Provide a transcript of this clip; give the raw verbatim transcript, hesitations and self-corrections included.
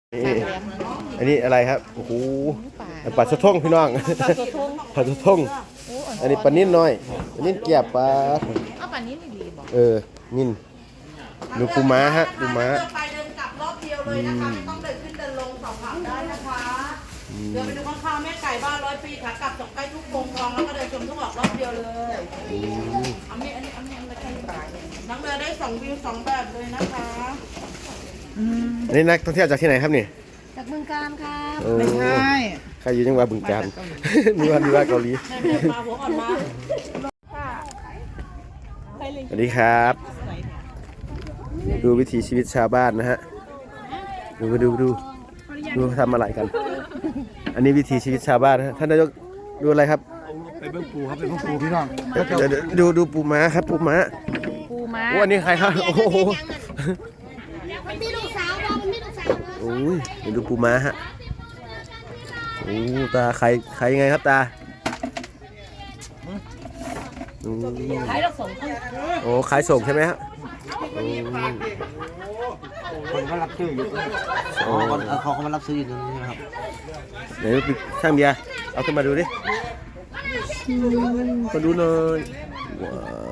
นี่อันนี้อะไรครับโอ้โหปลาสะทงพี่น้องปลาสะทงอันนี้ปลานิ่นน้อยปลานิ่นเกียบปลาเอาปลานิ่นดีบอกเออนิ่นดูปูม้าฮะปูม้าเดินไปเดินกลับรอบเดียวเลยนะคะไม่ต้องเดินขึ้นเดินลงสอบถามได้นะคะเดินไปดูข้างๆแม่ไก่บ้านร้อยปีค่ะกลับจบใกล้ทุกโป่งทองแล้วก็เดินชมทุกออกรอบเดียวเลยอันนี้อันนี้อันนี้อันนี้ใกล้ตายนั่งเรือได้สองวิวสองแบบเลยนะคะอันนี้นักท่องเที่ยวจากที่ไหนครับนี่จากบึงกาฬค่ะไม่ใช่ใครอยู่จังหวัดบึงกาฬนึกว่านึกว่าเกาหลีมาหัวอ่อนมาสวัสดีครับดูวิถีชีวิตชาวบ้านนะฮะดูดูดูดูทำอะไรกันอันนี้วิถีชีวิตชาวบ้านนะท่านนายกดูอะไรครับไปเบิ้งปูครับไปเบิ้งปูพี่น้องดูดูปูม้าครับปูม้าปูม้าโอ้อันนี้ใครครับโอ้โหมันมีลูกสาวมันมีลูกสาวโอ้ยดูปูม้าฮะโอ้ตาใครใครยังไงครับตาขายเราส่งโอ้ขายส่งใช่ไหมฮะคนเขารับซื้ออยู่อ๋อเขาเขามารับซื้ออยู่ตรงนี้ครับไหนช่างเบียร์เอาขึ้นมาดูดิมาดูหน่อยว้าว